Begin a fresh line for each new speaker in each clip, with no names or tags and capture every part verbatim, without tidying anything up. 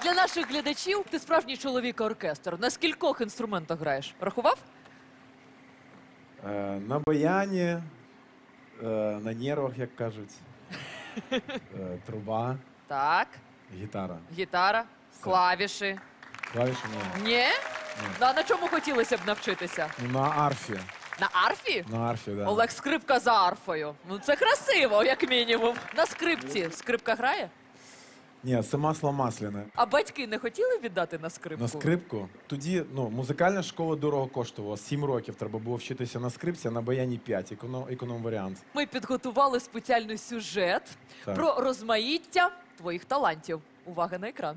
для наших глядачів ти справжній чоловік-оркестр. На скількох інструментах граєш? Рахував?
Е, на баяні, е, на нервах, як кажуть, е, труба,
Так.
гітара.
Гітара, клавіші.
Клавіші ні.
Ні? Ну, а на чому хотілося б навчитися?
Ну, на арфі.
На арфі?
На арфі, да.
Олег Скрипка за арфою. Ну це красиво, як мінімум. На скрипці скрипка грає?
Ні, це масло масляне.
А батьки не хотіли віддати на скрипку?
На скрипку. Тоді, ну, музикальна школа дорого коштувала. Сім років треба було вчитися на скрипці, а на баяні п'ять. Економ, економ-варіант.
Ми підготували спеціальний сюжет
Так.
про розмаїття твоїх талантів. Увага на екран.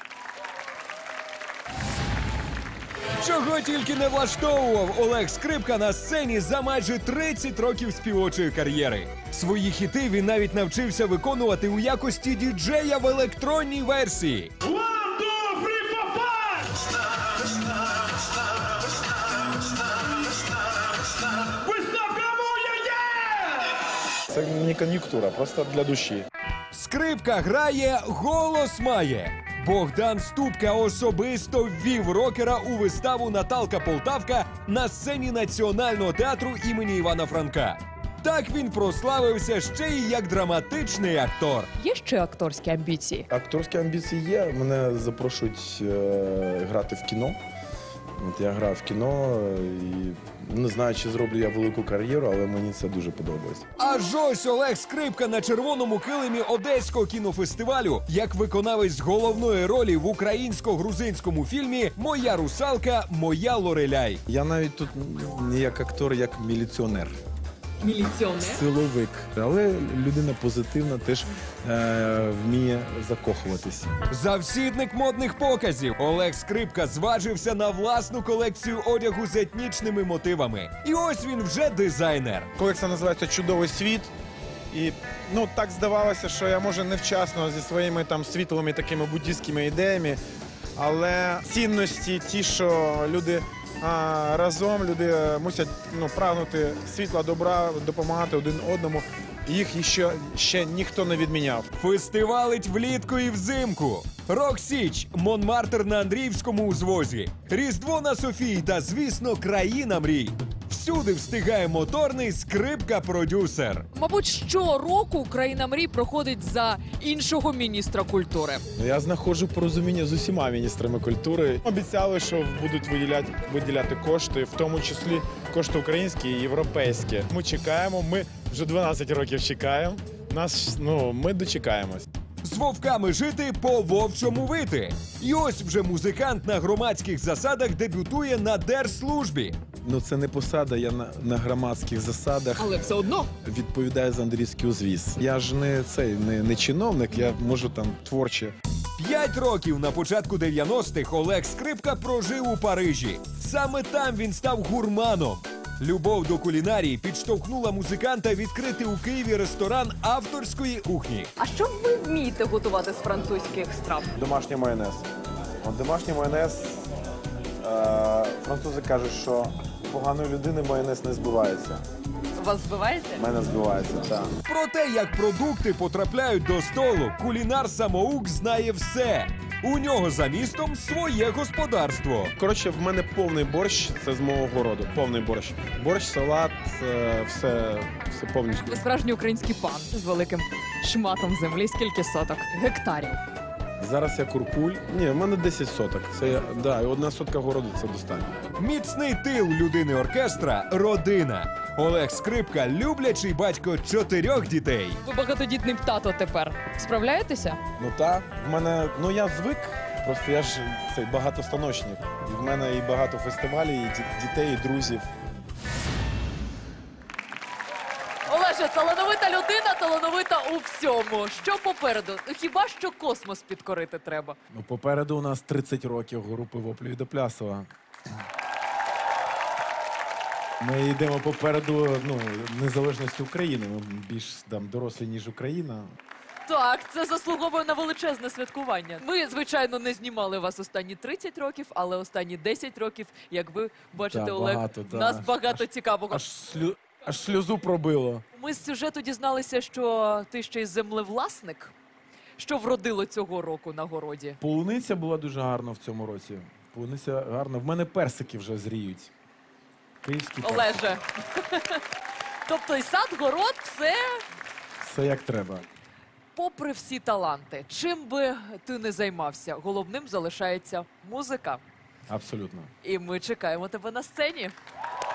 Чого тільки не влаштовував Олег Скрипка на сцені за майже тридцять років співочої кар'єри. Свої хіти він навіть навчився виконувати у якості діджея в електронній версії.
Це не кон'юнктура, просто для душі.
Скрипка грає, голос має. Богдан Ступка особисто ввів рокера у виставу «Наталка Полтавка» на сцені Національного театру імені Івана Франка. Так він прославився ще й як драматичний актор.
Є ще акторські амбіції?
Акторські амбіції є. Мене запрошують е, грати в кіно. От я грав в кіно і не знаю, чи зроблю я велику кар'єру, але мені це дуже подобається.
Аж ось Олег Скрипка на червоному килимі Одеського кінофестивалю як виконавець головної ролі в українсько-грузинському фільмі «Моя русалка, моя Лореляй».
Я навіть тут не як актор, як міліціонер.
Міліціонер?
Силовик. Але людина позитивна, теж е, вміє закохуватись.
Завсідник модних показів Олег Скрипка зважився на власну колекцію одягу з етнічними мотивами. І ось він вже дизайнер.
Колекція називається «Чудовий світ». І ну, так здавалося, що я, може, невчасно зі своїми там світлими такими буддійськими ідеями, але цінності ті, що люди а, разом, люди мусять ну, прагнути світла, добра, допомагати один одному, їх ще, ще ніхто не відміняв.
Фестивалить влітку і взимку. Рок-Січ, Монмартр на Андріївському узвозі, Різдво на Софії та, звісно, країна мрій. Всюди встигає моторний Скрипка-продюсер.
Мабуть, щороку «Країна мрій» проходить за іншого міністра культури.
Я знаходжу порозуміння з усіма міністрами культури.
Обіцяли, що будуть виділяти, виділяти кошти, в тому числі кошти українські і європейські. Ми чекаємо, ми вже дванадцять років чекаємо. Нас, ну, ми дочекаємось.
З вовками жити, по вовчому вити. І ось вже музикант на громадських засадах дебютує на держслужбі.
Ну це не посада, я на, на громадських засадах
Але все одно.
відповідаю за Андрійський узвіз. Я ж не цей не, не чиновник, я можу там творче.
П'ять років на початку дев'яностих Олег Скрипка прожив у Парижі. Саме там він став гурманом. Любов до кулінарії підштовхнула музиканта відкрити у Києві ресторан авторської кухні.
А що ви вмієте готувати з французьких страв?
Домашній майонез. От домашній майонез, е, французи кажуть, що у поганої людини майонез не збивається.
Вас збиваєте?
У мене збивається, так.
Про те, як продукти потрапляють до столу, кулінар-самоук знає все. У нього за містом своє господарство.
Коротше, в мене повний борщ, це з мого городу, повний борщ. Борщ, салат, е, все, все повністю.
Ви справжній український пан з великим шматом землі. Скільки соток? Гектарів.
Зараз я куркуль. Ні, в мене десять соток. Це, да, і одна сотка городу це достатньо.
Міцний тил людини оркестра – родина. Олег Скрипка – люблячий батько чотирьох дітей.
Ви багатодітний тато тепер. Справляєтеся?
Ну так, в мене, ну я звик, просто я ж цей багатостаночник. І в мене і багато фестивалів, і ді- дітей, і друзів.
Олеже, талановита людина, талановита у всьому. Що попереду? Ну, хіба що космос підкорити треба?
Ну, попереду у нас тридцять років групи Воплю і Доплясова. Ми йдемо попереду ну, незалежності України. Ми більш там, дорослі, ніж Україна.
Так, це заслуговує на величезне святкування. Ми, звичайно, не знімали вас останні тридцять років, але останні десять років, як ви бачите,
Да,
Олег,
багато,
в
да.
нас багато цікавого.
Аж, слю... Аж сльозу пробило.
Ми з сюжету дізналися, що ти ще й землевласник. Що вродило цього року на городі?
Полуниця була дуже гарна в цьому році. Полуниця гарна. В мене персики вже зріють. Київські персики.
Олеже. Тобто і сад, город, все
Все як треба.
попри всі таланти. Чим би ти не займався, головним залишається музика.
Абсолютно.
І ми чекаємо тебе на сцені.